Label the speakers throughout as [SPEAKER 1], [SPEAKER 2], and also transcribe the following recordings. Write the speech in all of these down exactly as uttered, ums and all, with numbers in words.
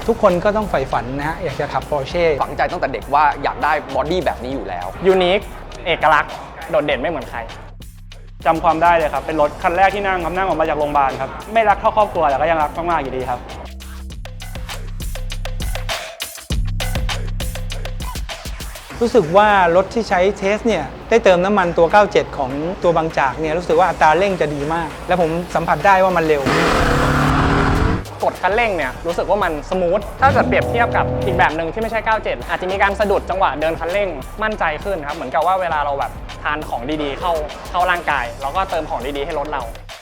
[SPEAKER 1] ทุกคนก็ต้องใฝ่ฝันนะฮะอยากจะขับ Porsche
[SPEAKER 2] ฝังใจตั้งแต่เด็กว่าอยากได้บอดี้แบบนี้อยู่แล้ว
[SPEAKER 3] ยูนิคเอกลักษณ์โดดเด่นไม่เหมือนใครจำความได้เลยครับเป็นรถคันแรกที่นั่งครับนั่งออกมาจากโรงพยาบาลครับไม่รักเท่าครอบครัวแต่ก็ยังรักมากๆอยู่ดีครับ
[SPEAKER 1] รู้สึกว่ารถที่ใช้เทสเนี่ยได้เติมน้ำมันตัวเก้าเจ็ดของตัวบางจากเนี่ยรู้สึกว่าอัตราเร่งจะดีมากและผมสัมผัสได้ว่ามันเร็ว
[SPEAKER 3] กดคันเร่งเนี่ยรู้สึกว่ามันสมูทถ้าเกิดเปรียบเทียบกับอีกแบบหนึ่งที่ไม่ใช่เก้าเจ็ดอาจจะมีการสะดุดจังหวะเดินคันเร่งมั่นใจขึ้นครับเหมือนกับว่าเวลาเราแบบทานของดีๆเข้าเข้าร่างกายเราก็เติมของดีๆให้รถเรา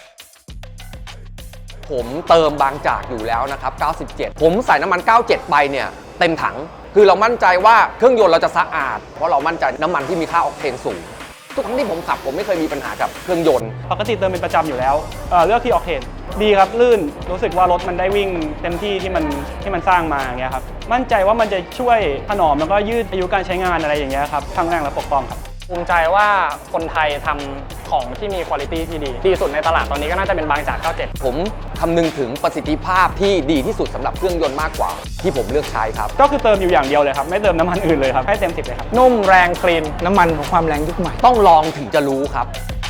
[SPEAKER 2] ผมเติมบางจากอยู่แล้วนะครับเก้าสิบเจ็ดผมใส่น้ำมันเก้าสิบเจ็ดไปเนี่ยเต็มถังคือเรามั่นใจว่าเครื่องยนต์เราจะสะอาดเพราะเรามั่นใจน้ำมันที่มีค่าออกเทนสูงทุกครั้งที่ผมขับผมไม่เคยมีปัญหากับเครื่องยนต์
[SPEAKER 3] ปกติเติมเป็นประจำอยู่แล้ว เอ่อเลือกที่ออกเทนดีครับลื่นรู้สึกว่ารถมันได้วิ่งเต็มที่ที่มันที่มันสร้างมาอย่างเงี้ยครับมั่นใจว่ามันจะช่วยถนอมแล้วก็ยืดอายุการใช้งานอะไรอย่างเงี้ยครับทั้งแรงและปกป้องครับภูมิใจว่าคนไทยทำของที่มีคุณภาพที่ดีดีสุดในตลาดตอนนี้ก็น่าจะเป็นบางจากเก้าสิบเจ็ด
[SPEAKER 2] ผมคำนึงถึงประสิทธิภาพที่ดีที่สุดสำหรับเครื่องยนต์มากกว่าที่ผมเลือกใช้ครับ
[SPEAKER 3] ก็คือเติมอยู่อย่างเดียวเลยครับไม่เติมน้ำมันอื่นเลยครับให้เต็มสิบเลยครับนุ่มแรงคลีน
[SPEAKER 1] น้ำมันของความแรงยุคใหม่
[SPEAKER 2] ต้องลองถึงจะรู้ครับ